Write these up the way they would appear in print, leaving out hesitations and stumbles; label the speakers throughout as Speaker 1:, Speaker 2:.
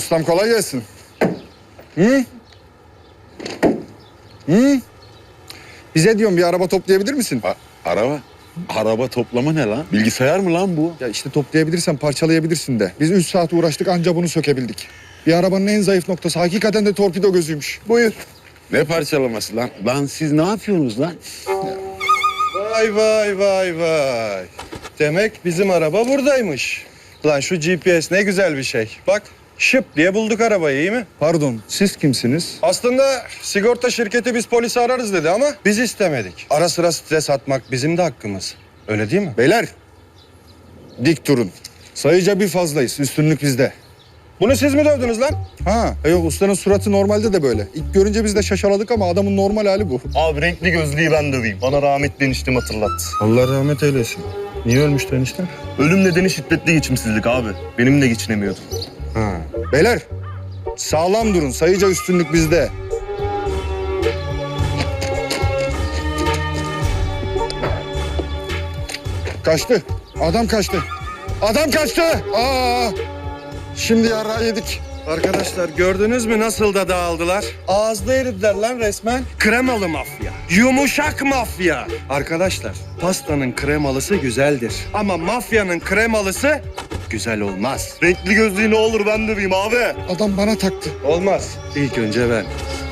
Speaker 1: Ustam kolay gelsin. Hı? Hı? Bize diyorum bir araba toplayabilir misin?
Speaker 2: Araba? Araba toplama ne lan? Bilgisayar mı lan bu?
Speaker 1: Ya işte toplayabilirsen parçalayabilirsin de. Biz 3 saat uğraştık anca bunu sökebildik. Bir arabanın en zayıf noktası hakikaten de torpido gözüymüş. Buyur.
Speaker 2: Ne parçalaması lan? Lan siz ne yapıyorsunuz lan?
Speaker 3: Vay vay vay vay. Demek bizim araba buradaymış. Lan şu GPS ne güzel bir şey. Bak şıp diye bulduk arabayı, iyi mi?
Speaker 1: Pardon siz kimsiniz?
Speaker 3: Aslında sigorta şirketi biz polisi ararız dedi ama biz istemedik. Ara sıra stres atmak bizim de hakkımız. Öyle değil mi?
Speaker 1: Beyler dik durun. Sayıca bir fazlayız. Üstünlük bizde.
Speaker 3: Bunu siz mi dövdünüz lan?
Speaker 1: Ha, yok ustanın suratı normalde de böyle. İlk görünce biz de şaşaladık ama adamın normal hali bu.
Speaker 4: Abi renkli gözlüğü ben döveyim. Bana rahmetli eniştem hatırlattı.
Speaker 3: Allah rahmet eylesin. Niye ölmüştü enişte?
Speaker 4: Ölüm nedeni şiddetli geçimsizlik abi. Benim de geçinemiyordum.
Speaker 3: Ha.
Speaker 1: Beyler sağlam durun. Sayıca üstünlük bizde. Kaçtı. Adam kaçtı. Adam kaçtı. Aa! Şimdi yara yedik.
Speaker 3: Arkadaşlar gördünüz mü nasıl da dağıldılar? Ağızda eridiler lan resmen. Kremalı mafya. Yumuşak mafya. Arkadaşlar pastanın kremalısı güzeldir. Ama mafyanın kremalısı güzel olmaz.
Speaker 4: Renkli gözlüğü ne olur ben döveyim abi.
Speaker 1: Adam bana taktı.
Speaker 3: Olmaz. İlk önce ben.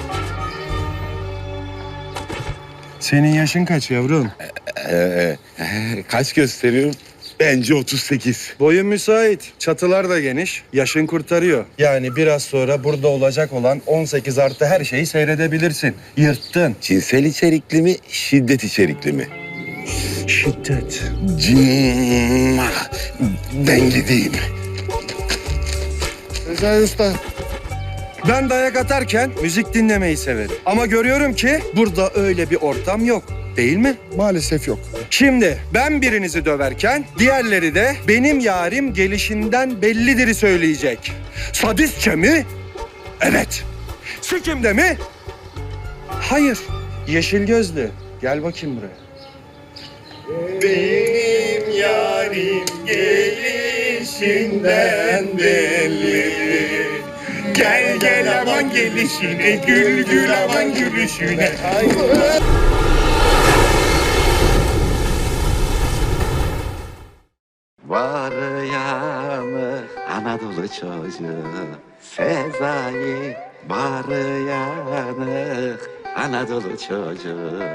Speaker 3: Senin yaşın kaç yavrum?
Speaker 2: Kaç gösteriyorum? Bence 38.
Speaker 3: Boyun müsait. Çatılar da geniş. Yaşın kurtarıyor. Yani biraz sonra burada olacak olan 18 artı her şeyi seyredebilirsin. Yırttın.
Speaker 2: Cinsel içerikli mi, şiddet içerikli mi?
Speaker 3: Şiddet.
Speaker 2: Cimma. Ben gideyim.
Speaker 1: Recai Usta.
Speaker 3: Ben dayak atarken müzik dinlemeyi severim. Ama görüyorum ki burada öyle bir ortam yok. Değil mi?
Speaker 1: Maalesef yok.
Speaker 3: Şimdi ben birinizi döverken diğerleri de benim yarim gelişinden bellidir'i söyleyecek. Sadistçe mi? Evet. Sikimde mi? Hayır. Yeşil gözlü. Gel bakayım buraya.
Speaker 2: Benim yarim gelişinden belli. Gel gel aman gelişine, gül gül aman gülüşüne. Var yanı Anadolu çocuğu Sezai, var yanı Anadolu çocuğu.